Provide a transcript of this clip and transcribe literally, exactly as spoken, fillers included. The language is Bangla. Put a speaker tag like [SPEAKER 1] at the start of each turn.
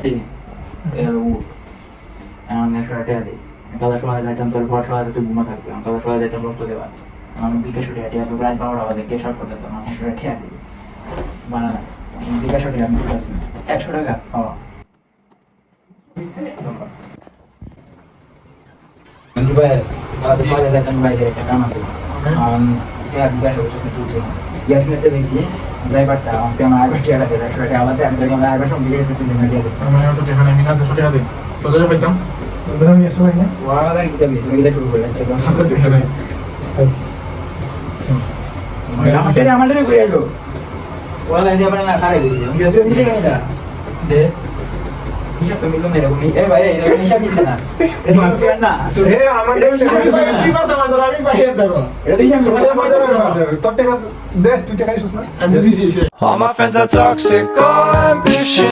[SPEAKER 1] আছে এমন একশো টাকা দিই তাদের সবাই যাইতাম তোর পর সবাই তুই ঘুমা থাকবে তাদের সবাই যাইতাম রক্ত দেওয়া আমি বিকাশ উঠে হাঁটি আপনি রাত বারোটা বাজে কে শর্ট করতে আমি একশো টাকা খেয়া দিই বানানা বিকাশ উঠে আমি ঠিক আছি
[SPEAKER 2] একশো টাকা
[SPEAKER 1] হ্যাঁ ভাই তাদের সবাই যাইতাম বাইরে একটা কাম আছে বিকাশ উঠে গ্যাস নিতে গেছি যাই পারতা আমাকে আমার আগে টাকা দেবে একশো টাকা আলাদা আমি যখন আগে সব দিয়ে দিতে দিয়ে দিয়ে
[SPEAKER 3] আমি তো টেকা নেই না তো টাকা দিই চলে পাইতাম ওদের আমি এসে পাই না
[SPEAKER 1] ওরা আগে কিতা বেশি কিতা শুরু করে যাচ্ছে তখন সব দিয়ে দেবে আমাদের আমাদের ঘুরে এলো ওরা লাইনে মানে না খারে দিয়েছে আমি তো নিতে গেছি না দে হিসাব তো মিললো না এরকম এই ভাই এরকম হিসাব মিলছে না এটা তো আমি না
[SPEAKER 3] হে আমাদের কি পাস আমার ধর আমি বাইরে দেব
[SPEAKER 1] এটা তো হিসাব মিলছে
[SPEAKER 3] তোর টাকা দে তুই টাকা দিছিস না
[SPEAKER 2] আমি দিছি
[SPEAKER 4] All my friends are toxic, all ambition.